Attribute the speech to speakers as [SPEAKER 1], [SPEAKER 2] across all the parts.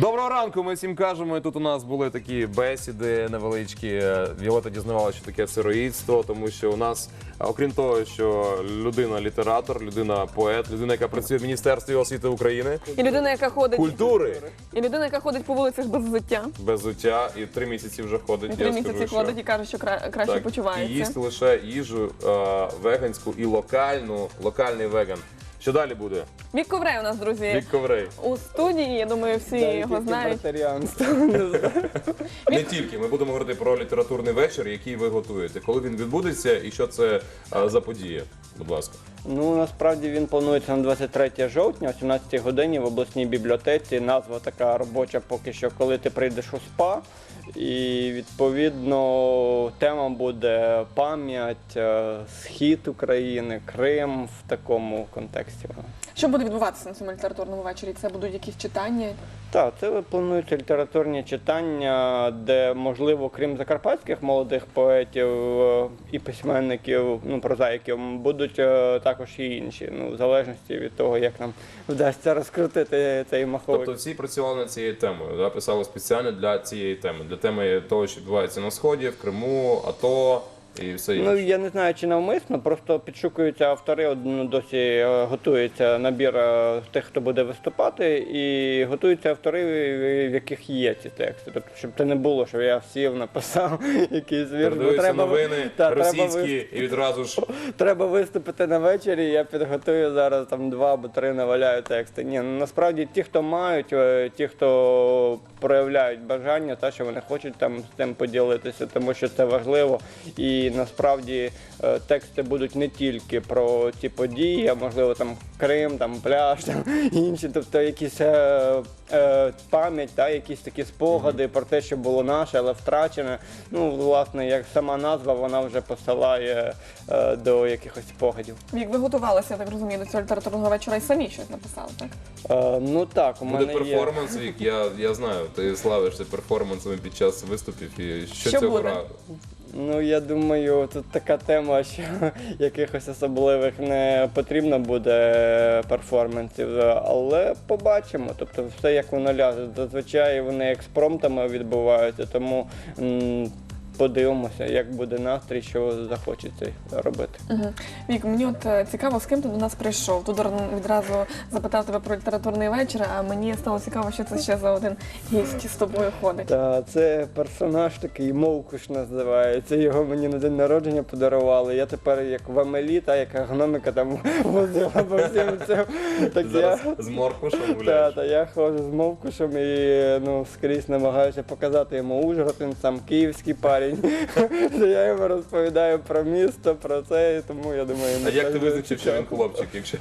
[SPEAKER 1] Доброго ранку, ми всім кажемо. І тут у нас були такі бесіди невеличкі. Віолетта дізнавалася, що таке сироїдство, тому що у нас, окрім того, що людина-літератор, людина-поет, людина, яка працює в Міністерстві освіти України,
[SPEAKER 2] І людина, яка ходить,
[SPEAKER 1] культури,
[SPEAKER 2] і людина, яка ходить по вулицях без взуття.
[SPEAKER 1] без взуття, і 3 місяці вже ходить.
[SPEAKER 2] І 3
[SPEAKER 1] я
[SPEAKER 2] місяці
[SPEAKER 1] скажу,
[SPEAKER 2] ходить і каже, що краще
[SPEAKER 1] так,
[SPEAKER 2] почувається.
[SPEAKER 1] і їсть лише їжу веганську і локальний веган. Що далі буде?
[SPEAKER 2] Вік Коврей у нас, друзі,
[SPEAKER 1] Вік Коврей.
[SPEAKER 2] у студії. Я думаю, всі його знають.
[SPEAKER 1] Не тільки. Ми будемо говорити про літературний вечір, який ви готуєте. Коли він відбудеться і що це за подія? Будь ласка.
[SPEAKER 3] Ну, насправді він планується на 23 жовтня о 17 годині в обласній бібліотеці. Назва така робоча поки що, коли ти прийдеш у СПА. І, відповідно, тема буде пам'ять, схід України, Крим в такому контексті.
[SPEAKER 2] Що буде відбуватися на цьому літературному вечорі? Це будуть якісь читання?
[SPEAKER 3] Так, це плануються літературні читання, де, можливо, крім закарпатських молодих поетів і письменників, ну, прозаїків, будуть також і інші, в залежності від того, як нам вдасться розкрутити цей маховик.
[SPEAKER 1] Тобто всі працювали над цією темою, да? Писали спеціально для цієї теми, для теми того, що відбувається на Сході, в Криму, АТО і все інше.
[SPEAKER 3] Ну, я не знаю, чи навмисно, просто підшукуються автори, досі готується набір тих, хто буде виступати, і готуються автори, в яких є ці тексти. Тобто, щоб це не було, що я сів, написав якийсь вірш.
[SPEAKER 1] Передаються новини російські і відразу ж...
[SPEAKER 3] Треба виступити на вечорі, я підготую зараз там 2 або 3 наваляю тексти. Ні, ну, насправді ті, хто мають, ті, хто проявляють бажання, та, що вони хочуть там з тим поділитися, тому що це важливо. І насправді тексти будуть не тільки про ці події, а можливо там Крим, там пляж, там інші, тобто якісь пам'ять, та, якісь такі спогади про те, що було наше, але втрачене. Ну, власне, як сама назва, вона вже посилає до якихось спогадів.
[SPEAKER 2] Вік, ви готувалися, я так розумію, до цього літературного вечора і самі щось написали, так?
[SPEAKER 3] Ну так, у
[SPEAKER 1] Буде
[SPEAKER 3] мене є.
[SPEAKER 1] перформанс, Вік, я знаю, ти славишся перформансами під час виступів. І що
[SPEAKER 2] Що
[SPEAKER 1] цього
[SPEAKER 2] буде?
[SPEAKER 1] разу?
[SPEAKER 3] Ну, я думаю, тут така тема, що якихось особливих не потрібно буде перформансів, але побачимо. Тобто все як воно ляже. Зазвичай вони експромтами відбуваються, тому подивимося, як буде настрій, що захочеться робити.
[SPEAKER 2] Угу. Вік, мені от цікаво, з ким ти до нас прийшов. Тудор відразу запитав тебе про літературний вечір, а мені стало цікаво, що це ще за один гість з тобою ходить.
[SPEAKER 3] Та це персонаж такий, Мовкуш називається. Його мені на день народження подарували. Я тепер як в Амелі, та яка гномика там возила по всім цим. Так
[SPEAKER 1] Зараз з Моркушем гуляєш?
[SPEAKER 3] Та я ходжу з Мовкушем і скрізь намагаюся показати йому Ужгород, він сам київський парень. Я йому розповідаю про місто, про це, і тому я думаю...
[SPEAKER 1] А як ти визначив, що він хлопчик, якщо?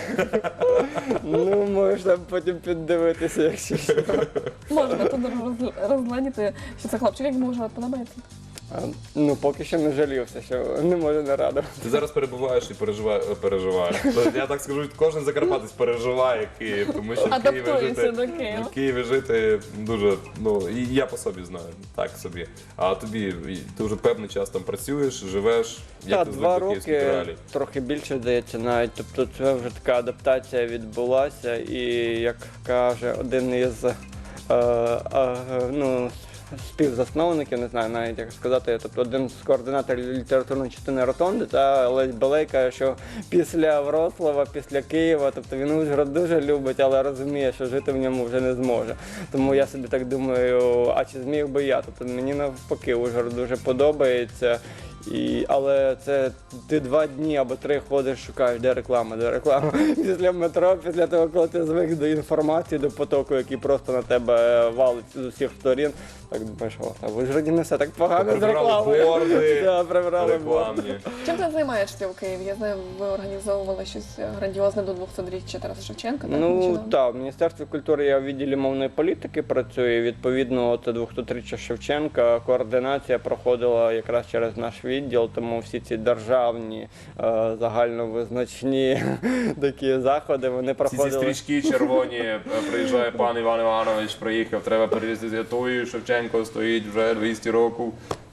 [SPEAKER 3] Ну, можна потім піддивитися, якщо що.
[SPEAKER 2] Можна Тудор розгледіти, що це хлопчик, як йому вже подобається.
[SPEAKER 3] Ну, поки що не жалівся, що не можу не радувати.
[SPEAKER 1] Ти зараз перебуваєш і переживаєш. Я так скажу, кожен закарпатець переживає Київ, тому що
[SPEAKER 2] Адаптується до Києва.
[SPEAKER 1] в Києві жити дуже, і я по собі знаю, так собі. А тобі, ти вже певний час там працюєш, живеш, як
[SPEAKER 3] Так,
[SPEAKER 1] ти
[SPEAKER 3] 2
[SPEAKER 1] звик до київських
[SPEAKER 3] роки,
[SPEAKER 1] реалій?
[SPEAKER 3] трохи більше, здається, навіть. Тобто це вже така адаптація відбулася, і, як каже один із співзасновників, не знаю навіть як сказати, тобто один з координаторів літературної частини Ротонди, та Лесь Балей каже, що після Вроцлава, після Києва, тобто він Ужгород дуже любить, але розуміє, що жити в ньому вже не зможе. Тому я собі так думаю, а чи зміг би я? Тобто мені навпаки Ужгород дуже подобається. Але це ти 2 дні або 3 ходиш, шукаєш, де реклама. Після метро, після того, коли ти звик до інформації, до потоку, який просто на тебе валить з усіх сторін. Так думаєш, а в Ужгороді не все так погано з
[SPEAKER 1] Прибрали
[SPEAKER 3] рекламою.
[SPEAKER 1] борди
[SPEAKER 3] Прибрали борди.
[SPEAKER 1] рекламні.
[SPEAKER 2] Чим ти займаєшся в Києві? Я знаю, ви організовували щось грандіозне до 200-річчя Тараса Шевченка.
[SPEAKER 3] Ну так, в Міністерстві культури я в відділі мовної політики працюю. Відповідно, це 200-річчя Шевченка. Координація проходила якраз через наш відділ, тому всі ці державні, загальновизначні такі заходи, вони
[SPEAKER 1] Всі ці
[SPEAKER 3] проходили.
[SPEAKER 1] стрічки червоні, приїжджає пан Іван Іванович, приїхав, треба перевезти Святою, Шевченко стоїть вже 200 років.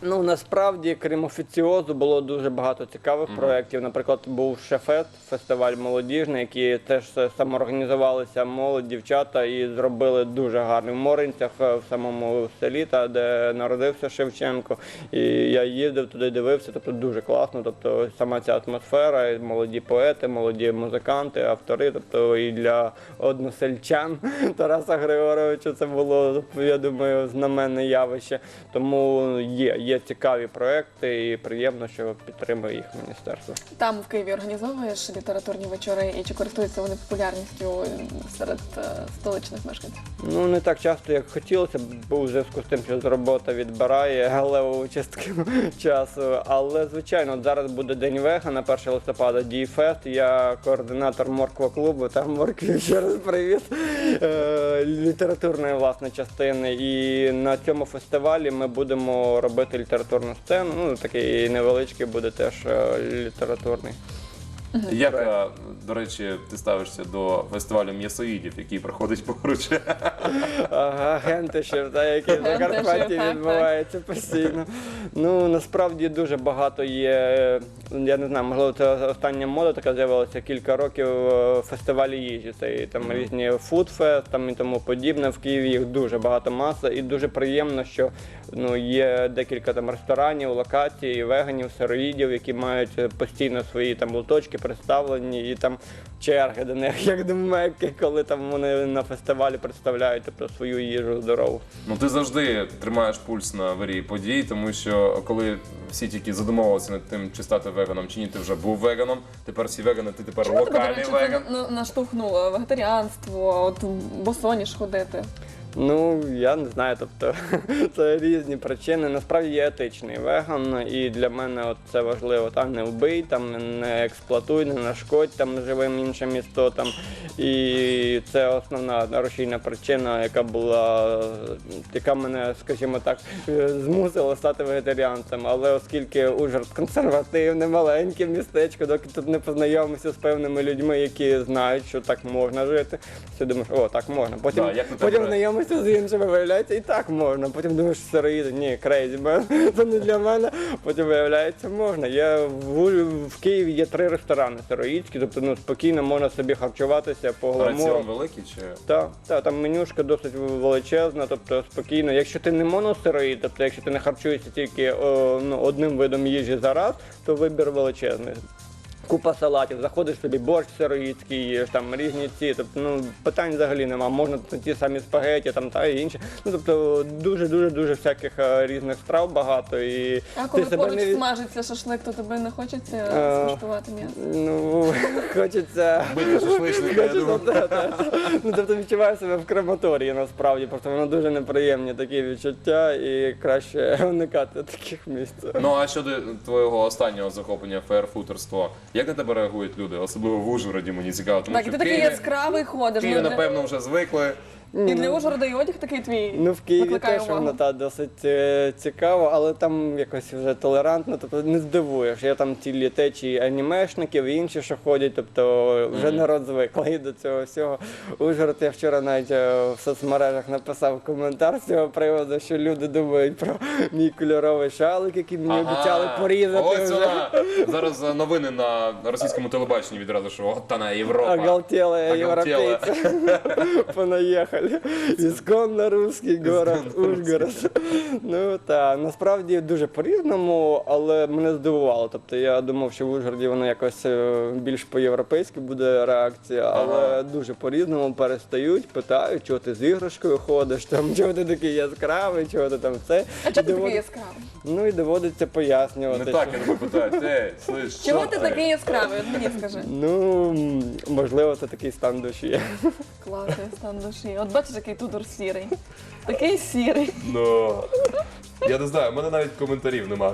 [SPEAKER 3] Ну, насправді, крім офіціозу, було дуже багато цікавих проєктів. Наприклад, був Шефест, фестиваль молодіжний, який теж самоорганізувалися молодь, дівчата і зробили дуже гарний в Моринцях, в самому селі, де народився Шевченко. І я їздив туди, дивився, тобто дуже класно. Тобто сама ця атмосфера, і молоді поети, молоді музиканти, автори, тобто і для односельчан Тараса Григоровича це було, я думаю, знаменне явище. Тому є цікаві проекти і приємно, що підтримує їх міністерство.
[SPEAKER 2] Там в Києві організовуєш літературні вечори, і чи користуються вони популярністю серед столичних мешканців?
[SPEAKER 3] Ну, не так часто, як хотілося б, бо у зв'язку з тим, що робота відбирає левову частину часу. Але, звичайно, от зараз буде День вега на 1 листопада, Діфест. Я координатор морква-клубу, там моркві ще раз привіт, літературної, власне, частини. І на цьому фестивалі ми будемо робити літературну сцену. Ну, такий невеличкий буде теж літературний.
[SPEAKER 1] Як, до речі, ти ставишся до фестивалю м'ясоїдів, який проходить поруч?
[SPEAKER 3] Агенти ще, які в Закарпатті
[SPEAKER 2] так,
[SPEAKER 3] відбуваються постійно. Ну, насправді дуже багато є, я не знаю, можливо, це остання мода така з'явилася кілька років, фестивалі їжі. Це і там різні фудфест, там і тому подібне. В Києві їх дуже багато, маса, і дуже приємно, що є декілька там ресторанів, локацій, веганів, сироїдів, які мають постійно свої там лоточки представлені, і там черги до них, як до Мекки, коли там вони на фестивалі представляють, тобто, свою їжу здорову.
[SPEAKER 1] Ну, ти завжди тримаєш пульс на вирії подій, тому що коли всі тільки задумувалися над тим, чи стати веганом, чи ні, ти вже був веганом, тепер всі вегани, ти тепер
[SPEAKER 2] Чому тебе, до
[SPEAKER 1] локальний
[SPEAKER 2] речі,
[SPEAKER 1] веган.
[SPEAKER 2] це веgetаріанство, вегетаріанство, от босоніж ходити?
[SPEAKER 3] Ну, я не знаю, тобто це різні причини. Насправді я етичний веган, і для мене от це важливо. Там не вбий, там не експлуатуй, не нашкодь там живим іншим істотам. І це основна рушійна причина, яка мене, скажімо так, змусила стати вегетаріанцем. Але оскільки Ужгород консервативне, маленьке містечко, доки тут не познайомився з певними людьми, які знають, що так можна жити, ти думаєш, о, так можна. Потім,
[SPEAKER 1] Да, як на тебе
[SPEAKER 3] потім знайомишся з іншими, виявляється, і так можна. Потім думаєш, сироїди, ні, крейзі, це не для мене. Потім виявляється, можна. В Києві є 3 ресторани сироїдські, тобто спокійно можна собі харчуватися по
[SPEAKER 1] Раціон
[SPEAKER 3] гламуру.
[SPEAKER 1] великий чи?
[SPEAKER 3] Так, там менюшка досить величезна, тобто спокійно. Якщо ти не моносироїд, тобто якщо ти не харчуєшся тільки одним видом їжі за раз, то вибір величезний. Купа салатів, заходиш собі, борщ сироїдський їш, там різні ці, тобто, питань взагалі нема, можна ті самі спагеті там та і інші. Тобто дуже всяких різних страв багато. І
[SPEAKER 2] А коли
[SPEAKER 3] ти
[SPEAKER 2] поруч
[SPEAKER 3] не
[SPEAKER 2] смажиться шашлик, то тобі не хочеться скуштувати м'ясо?
[SPEAKER 3] Ну, хочеться.
[SPEAKER 1] Бити шашличника, я думаю.
[SPEAKER 3] Ну, тобто відчуваю себе в крематорії насправді, просто воно дуже неприємні такі відчуття і краще уникати таких місць.
[SPEAKER 1] Ну, а щодо твого останнього захоплення фейерфутерство, як на тебе реагують люди? Особливо в Ужгороді, мені цікаво, тому
[SPEAKER 2] Так, і
[SPEAKER 1] що
[SPEAKER 2] ти
[SPEAKER 1] в
[SPEAKER 2] такий
[SPEAKER 1] Києві,
[SPEAKER 2] яскравий ходиш.
[SPEAKER 1] Києві, напевно, вже звикли.
[SPEAKER 2] І для Ужгорода і одяг такий твій
[SPEAKER 3] Ну, в Києві
[SPEAKER 2] викликає
[SPEAKER 3] теж
[SPEAKER 2] увагу.
[SPEAKER 3] воно досить цікаво, але там якось вже толерантно, тобто не здивуєш. Є там цілі течії анімешників і інші, що ходять, тобто вже народ звиклий до цього всього. Ужгород, я вчора навіть в соцмережах написав коментар з цього приводу, що люди думають про мій кольоровий шалик, який мені обіцяли порізати
[SPEAKER 1] Ось
[SPEAKER 3] вже.
[SPEAKER 1] вона. Зараз новини на російському телебаченні відразу, що от вона Європа.
[SPEAKER 3] Оголтелые
[SPEAKER 1] Оголтела.
[SPEAKER 3] европейцы понаехали. Исконно русский город Ужгород. Ну так, насправді дуже по-різному, але мене здивувало. Тобто я думав, що в Ужгороді воно якось більш по-європейськи буде реакція, але дуже по-різному перестають, питають, чого ти з іграшкою ходиш, там, чого ти такий яскравий, чого ти там це.
[SPEAKER 2] А чого ти такий яскравий?
[SPEAKER 3] Ну і доводиться пояснювати.
[SPEAKER 1] Не так,
[SPEAKER 3] що-
[SPEAKER 1] я тебе питаю. Ей, слиш,
[SPEAKER 2] Чого
[SPEAKER 1] що
[SPEAKER 2] ти такий яскравий? От мені скажи.
[SPEAKER 3] Ну, можливо, це такий стан душі.
[SPEAKER 2] Класний стан душі. От бачиш, який Тудор сірий. Такий сірий.
[SPEAKER 1] Ну, я не знаю, в мене навіть коментарів немає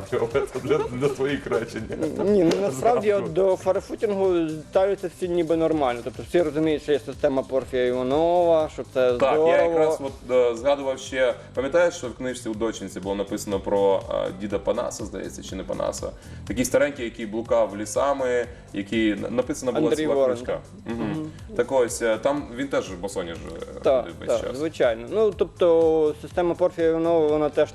[SPEAKER 1] для твоїх речень.
[SPEAKER 3] Ні, ну насправді от до фарфутінгу ставляться всі ніби нормально. Тобто всі розуміють, що є система Порфія Іванова, що це
[SPEAKER 1] Так,
[SPEAKER 3] здорово.
[SPEAKER 1] я якраз згадував ще, пам'ятаєш, що в книжці у дочинці було написано про діда Панаса, здається, чи не Панаса. Такий старенький, який блукав лісами, який написана була
[SPEAKER 3] Андрій
[SPEAKER 1] ціла
[SPEAKER 3] Ворон,
[SPEAKER 1] книжка. Так ось, там він теж босоніж
[SPEAKER 3] Так,
[SPEAKER 1] ходив весь
[SPEAKER 3] так,
[SPEAKER 1] час.
[SPEAKER 3] звичайно. Ну, тобто система Порфія Іванова, вона теж на цьому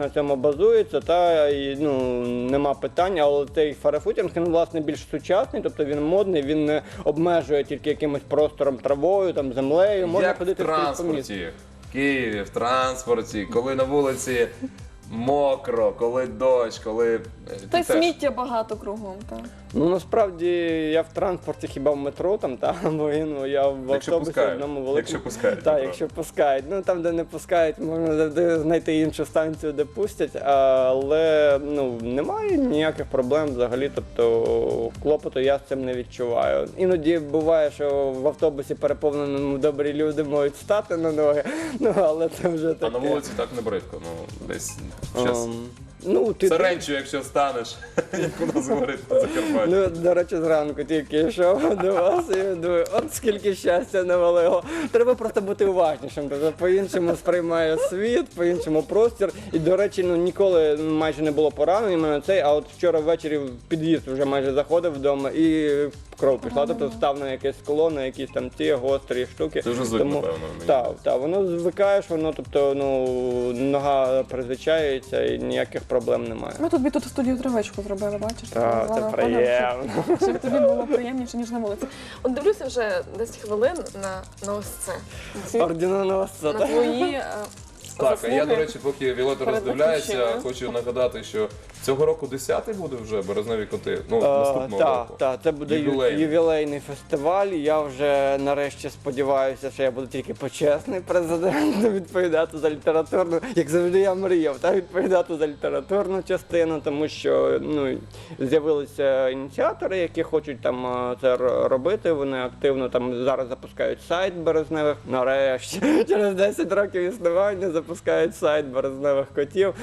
[SPEAKER 3] базується, та і нема питань, але цей фарфутінг, він власне більш сучасний, тобто він модний, він не обмежує тільки якимось простором, травою, там землею, можна
[SPEAKER 1] Як в
[SPEAKER 3] ходити скрізь по місту.
[SPEAKER 1] транспорті, в Києві, в транспорті, коли на вулиці мокро, коли дощ, коли...
[SPEAKER 2] Та й
[SPEAKER 1] ти теж-
[SPEAKER 2] сміття багато кругом. Так.
[SPEAKER 3] Ну насправді я в транспорті хіба в метро там, бо я в
[SPEAKER 1] Якщо
[SPEAKER 3] автобусі
[SPEAKER 1] пускають,
[SPEAKER 3] одному великому.
[SPEAKER 1] якщо пускають,
[SPEAKER 3] Так,
[SPEAKER 1] метро.
[SPEAKER 3] якщо пускають. Ну там, де не пускають, можна завжди знайти іншу станцію, де пустять, але немає ніяких проблем взагалі. Тобто клопоту я з цим не відчуваю. Іноді буває, що в автобусі переповненому добрі люди можуть стати на ноги, але це вже
[SPEAKER 1] А
[SPEAKER 3] таке.
[SPEAKER 1] на вулиці так не бридко, десь щас.
[SPEAKER 3] Ти
[SPEAKER 1] Саренчу, якщо станеш, як у нас говорить на Закарпатті.
[SPEAKER 3] До речі, зранку тільки йшов до вас і думаю, от скільки щастя навалило. Треба просто бути уважнішим, тобто по-іншому сприймає світ, по-іншому простір. І, до речі, ніколи майже не було поранень мене цей, а от вчора ввечері в під'їзд вже майже заходив вдома і кров пішла, тобто став на якесь скло, на якісь там ці гострі штуки.
[SPEAKER 1] Це вже звик, напевно, мені
[SPEAKER 3] Так, воно звикаєш, воно, тобто, нога призвичається і ніяких проблем немає.
[SPEAKER 2] Ми тобі тут в студію травичку зробили, бачиш?
[SPEAKER 3] Так,
[SPEAKER 2] З
[SPEAKER 3] це
[SPEAKER 2] вами
[SPEAKER 3] приємно.
[SPEAKER 2] ходимо, щоб тобі було приємніше, ніж на вулиці. От дивлюся вже 10 хвилин на ось це.
[SPEAKER 3] Орденоносця,
[SPEAKER 2] На
[SPEAKER 3] так?
[SPEAKER 2] твої
[SPEAKER 1] Так, а я,
[SPEAKER 2] заслуги.
[SPEAKER 1] до речі, поки Віолетта
[SPEAKER 2] перед
[SPEAKER 1] роздивляється,
[SPEAKER 2] батьківщиною.
[SPEAKER 1] хочу нагадати, що цього року 10-й буде вже березневі коти. Наступного року.
[SPEAKER 3] Так, це буде
[SPEAKER 1] Ювілейний.
[SPEAKER 3] ювілейний фестиваль. Я вже нарешті сподіваюся, що я буду тільки почесний президент відповідати за літературну, як завжди я мріяв, відповідати за літературну частину, тому що з'явилися ініціатори, які хочуть там це робити. Вони активно там зараз запускають сайт березневих. Нарешті через 10 років існування запускають сайт березневих котів.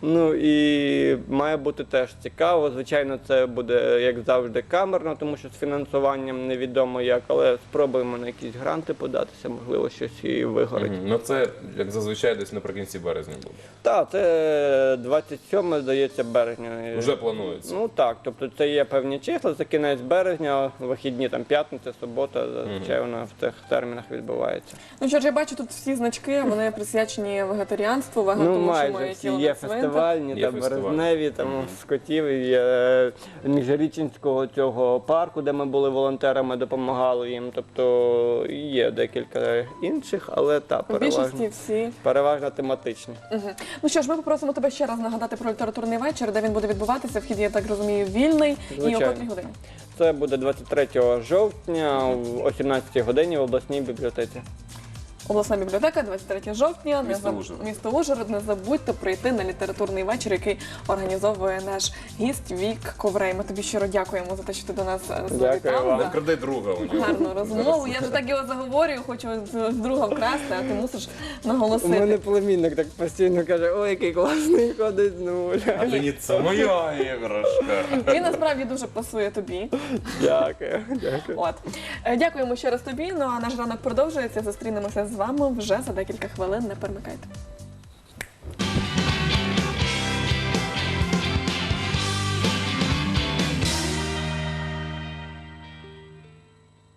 [SPEAKER 3] І має бути теж цікаво. Звичайно, це буде, як завжди, камерно, тому що з фінансуванням невідомо як, але спробуємо на якісь гранти податися, можливо, щось і вигорить.
[SPEAKER 1] Ну це, як зазвичай, десь наприкінці березня буде.
[SPEAKER 3] Так, це 27, здається, березня.
[SPEAKER 1] Вже планується.
[SPEAKER 3] Ну так, тобто це є певні числа, це кінець березня, вихідні, там п'ятниця, субота, зазвичай вона в цих термінах відбувається.
[SPEAKER 2] Ну що ж, я бачу тут всі значки, вони присвячені вегетаріанству, тому що
[SPEAKER 3] Майже
[SPEAKER 2] моє
[SPEAKER 3] всі
[SPEAKER 2] тіло
[SPEAKER 3] є
[SPEAKER 2] не цвинтар.
[SPEAKER 3] фестивальні,
[SPEAKER 1] Є
[SPEAKER 3] там
[SPEAKER 1] фестиваль.
[SPEAKER 3] березневі, там з котів, і є Міжрічинського цього парку, де ми були волонтерами, допомагали їм. Тобто є декілька інших, але
[SPEAKER 2] У більшості всі.
[SPEAKER 3] переважно тематичні.
[SPEAKER 2] Угу. Ну що ж, ми попросимо тебе ще раз нагадати про літературний вечір, де він буде відбуватися. Вхід, я так розумію, вільний. І о
[SPEAKER 3] Звичайно.
[SPEAKER 2] котрій годині?
[SPEAKER 3] Це буде 23 жовтня о 17 годині в обласній бібліотеці.
[SPEAKER 2] Обласна бібліотека, 23 жовтня,
[SPEAKER 1] Місто Ужгород.
[SPEAKER 2] місто Ужгород. Не забудьте прийти на літературний вечір, який організовує наш гість Вік Коврей. Ми тобі щиро дякуємо за те, що ти до нас завітав.
[SPEAKER 3] вам.
[SPEAKER 1] Не
[SPEAKER 2] за
[SPEAKER 1] вкради друга у нього.
[SPEAKER 2] гарну розмову. Я вже так його заговорюю, хочу з друга вкрасти, а ти мусиш
[SPEAKER 3] У
[SPEAKER 2] наголосити.
[SPEAKER 3] мене племінник так постійно каже, ой, який класний ходить з нуля.
[SPEAKER 1] А це це моя іграшка.
[SPEAKER 2] Він насправді дуже пасує тобі.
[SPEAKER 3] Дякую.
[SPEAKER 2] От. Дякуємо ще раз тобі. Ну а наш ранок продовжується. Зустрінемося з вами вже за декілька хвилин. Не перемикайте.